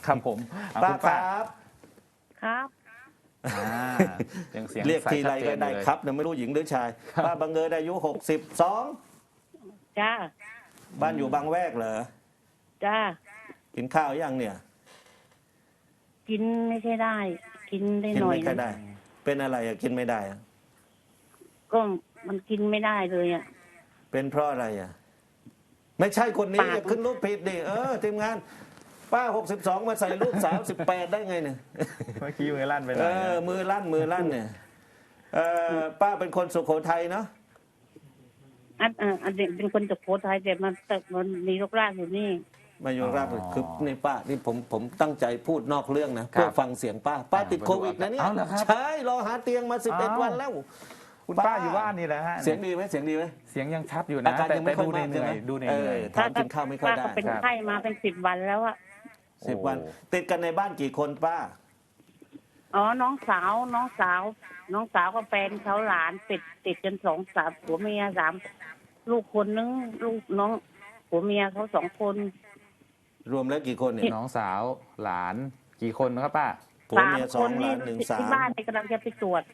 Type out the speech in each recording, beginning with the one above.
ครับผมป้าคุณคป้ารับครับอ่ายังเสียงเรียกใสทีไรชัดเจก็นได้เลยครับเนี่ยไม่รู้หญิงหรือชาย ป้าบังเอิญอายุ62 จ้าบ้านอยู่บางแวกเหรอจ้ากินข้าวยังเนี่ยกินไม่ใช่ได้ กินได้กินหน่อยไม่ค่อยนะได้ เป็นอะไรอะกินไม่ได้อะก็มันกินไม่ได้เลยอ่ะเป็นเพราะอะไรอะไม่ใช่คนนี้ปากอย่าขึ้นรูปผิดดิทีมงาน ป้า62มาใส่รูปสาว18ได้ไงเนี่ยเมื่อกี้มือลั่นไปหน่เออยนะมือลั่นเนี่ยป้าเป็นคนสุโขทัยเนาะอันเด็กเป็นคนจากโพธิ์ไทยแต่มันมีรกรากอยู่นี่มาอยู่ราชบุรีคือนี่ป้านี่ผมตั้งใจพูดนอกเรื่องนะเพื่อฟังเสียงป้าติดโควิดนะเนี่ยเอาเหรอครับใช่รอหาเตียงมา11 วันแล้วคุณป้าอยู่บ้านนี่แหละฮะเสียงดีไหมเสียงดีไหมเสียงยังชัดอยู่อานะการแต่ยังไม่ค่อยดูมากเหใช่นื่ไหมอยดูเหนื่อยถามกินข้าวไม่ค่อยป้าได้ก็เป็นไข้มาเป็น10 วันแล้วอะ 10 วัน ติดกันในบ้านกี่คนป้าอ๋อน้องสาวกับแฟนเขาหลานติดกัน2-3ผัวเมีย3 ลูกคนนึงลูกน้องผัวเมียเขา2 คนรวมแล้วกี่คนเนี่ยน้องสาวหลานกี่คนครับป้าผัวเมีย 3 คน 2หนี่ลาน1 ที่บ้านนี่กำลังจะไปตรวจ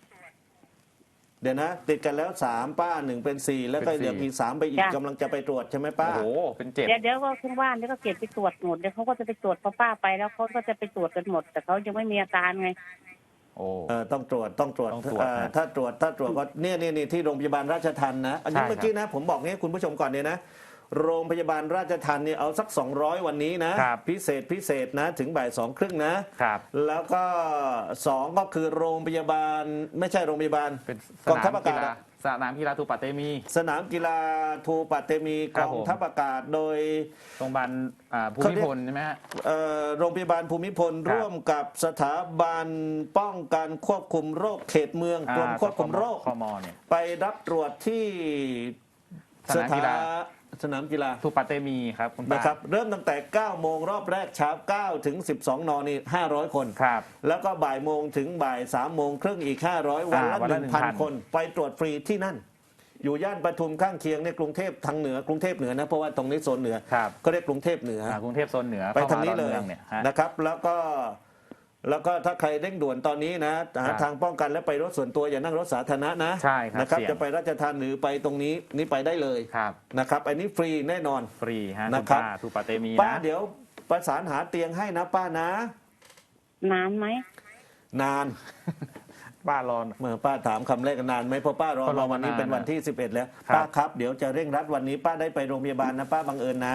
3เดี๋ยวนะติดกันแล้ว3ป้า1เป็น4แล้วก็เป็น4 เดี๋ยวอีก3ไปอีกจ้ะกำลังจะไปตรวจใช่ไหมป้าโอ้โหเป็น7 เดี๋ยวก็ทั้งบ้านเดี๋ยวก็เก็บไปตรวจหมดเดี๋ยวเขาก็จะไปตรวจพอป้าไปแล้วเขาก็จะไปตรวจกันหมด แต่เขายังไม่มีอาการไงโอ้ต้องตรวจต้องตรวจถ้าตรวจก็เนี่ยที่โรงพยาบาลราชทัณฑ์นะอันนี้ใช่ครับเมื่อกี้นะผมบอกงี้คุณผู้ชมก่อนเนี่ยนะโรงพยาบาลราชทัณฑ์เนี่ยเอาสัก200วันนี้นะครับ พิเศษนะถึงบ่าย2:30นะครับ แล้วก็2ก็คือโรงพยาบาลไม่ใช่โรงพยาบาลเป็นสกองนาทัพมอากีกาศฬาสนามกีฬาทูปะเตมีสนามกีฬาทูปะเตมีคกรับองผมทัพอากาศโดยโรงพยาบาลภูมิพลใช่ไหมฮะโรงพยาบาลภูมิพลครับร่วมกับสถาบันป้องกันควบคุมโรคเขตเมืองกรมควบคุมโรคคมเนี่ยไปรับตรวจที่สนามกีฬาสนามกีฬาทูปะเตมีครับคุณป้านะครับเริ่มตั้งแต่ 9 โมงรอบแรกเช้า 9 ถึง 12 นนี่500 คนครับแล้วก็บ่ายโมงถึงบ่าย3 โมงครึ่งอีก 500 วันละวันละ 1,000 คน ไปตรวจฟรีที่นั่น อยู่ย่านปทุมข้างเคียงในกรุงเทพทางเหนือกรุงเทพเหนือนะเพราะว่าตรงนี้โซนเหนือครับก็เรียกกรุงเทพเหนือกรุงเทพโซนเหนือไปทางนี้เลยข้มดอเนี่ยฮะนะครับแล้วก็ถ้าใครเร่งด่วนตอนนี้นะหาทางป้องกันและไปรถส่วนตัวอย่านั่งรถสาธารณะนะใช่ครับนะครับเสี่ยงจะไปราชทานหรือไปตรงนี้นี่ไปได้เลยครับนะครับอันนี้ฟรีแน่นอนฟรีฮะนะคุณครับป้าทูปะเตมีป้านะเดี๋ยวประสานหาเตียงให้นะป้านะนานไหมนานป้ารอนเมื่อป้าถามคำแรกนานไหมเพราะป้ารอก็รอวันนี้มานานเป็นวันที่ 11 แล้วครับป้าครับเดี๋ยวจะเร่งรัดวันนี้ป้าได้ไปโรงพยาบาลนะป้าบังเอิญนะ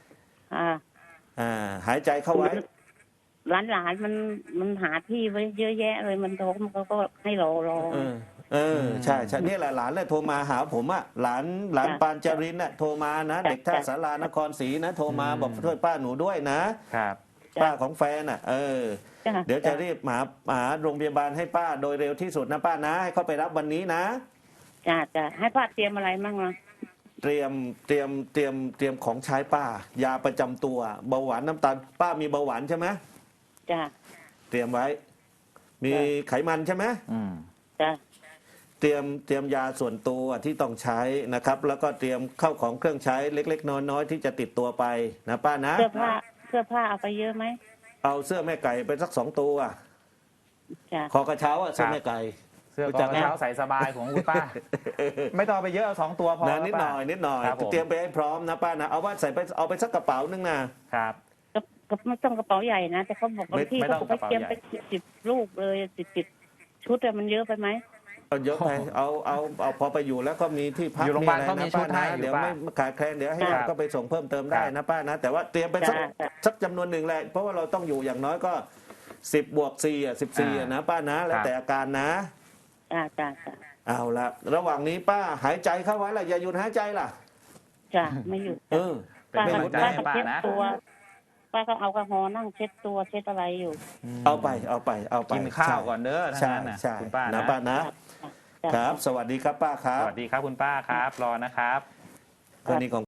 หายใจเข้าไว้หลานมันหาที่ไว้เยอะแยะเลยมันโทรเขาก็ให้รอใช่เนี่ยแหละหลานเลยโทรมาหาผมอ่ะหลานปานจารินน่ะโทรมานะจ้ะเด็กท่าสารานครศรีนะโทรมาบอกช่วยป้าหนูด้วยนะครับ ป้าของแฟนอ่ะจ้ะเดี๋ยวจะรีบหาโรงพยาบาลให้ป้าโดยเร็วที่สุดนะป้านะให้เขาไปรับวันนี้นะจ้ะให้ป้าเตรียมอะไรมั่งล่ะเตรียมของใช้ป้ายาประจำตัวเบาหวานน้ำตาลป้ามีเบาหวานใช่ไหมจ้ะเตรียมไว้ มีไขมันใช่ไหมอืมจ้ะเตรียมยาส่วนตัวที่ต้องใช้นะครับ แล้วก็เตรียมเข้าของเครื่องใช้เล็กๆน้อยๆที่จะติดตัวไปนะป้านะเสื้อผ้าเอาไปเยอะไหมเอาเสื้อแม่ไก่ไปสัก2 ตัวจ้ะคอกระเช้าเสื้อแม่ไก่เสื้อรู้กจัอก งไหมเท้าใส่สบายของคุณป้า ไม่ต้องเอาไปเยอะเอา2 ตัวพอนะนิดหน่อยครับผมเตรียมไปให้พร้อมนะป้านะเอาว่าใส่ไปเอาไปสักกระเป๋านึงนะครับก็ไม่ต้องกระเป๋าใหญ่นะแต่เขาบอกบางที่ไม่ต้เขาองบอกให้เตรียมกระไปเป๋าใหญ่ 10 ลูกเลย10 ชุดอะมันเยอะไปไหมเอาเยอะไปเอาพอไปอยู่แล้วก็มีที่พักอยู่โรงพยาบาลอะไรเขามีนะชุป้าดให้นะอยู่เดี๋ยวป้าไม่ขาดแคลนเดี๋ยวให้ครับก็ไปส่งเพิ่มเติมได้ครับนะป้านะแต่ว่าเตรียมไปสักจำนวนหนึ่งแหละเพราะว่าเราต้องอยู่อย่างน้อยก็10 บวก 4 14นะป้านะแล้วแต่อาการนะจ้ะเอาละระหว่างนี้ป้าหายใจเข้าไว้ล่ะอย่าหยุดหายใจล่ะจ้ะไม่หยุดเออเป็นป้ากำลังใจก็ให้ป้าเช็ดนะตัวป้าก็เอากระหอนั่งเช็ดตัวเช็ดอะไรอยู่เอาไปกินข้าวก่อนเด้อทั้งใช่นั้นนะใช่คุณป้านะนะป้านะจ้ะครับ สวัสดีครับป้าครัสบวัสดีครับคุณป้าครับรอนะครับคนนี้ของ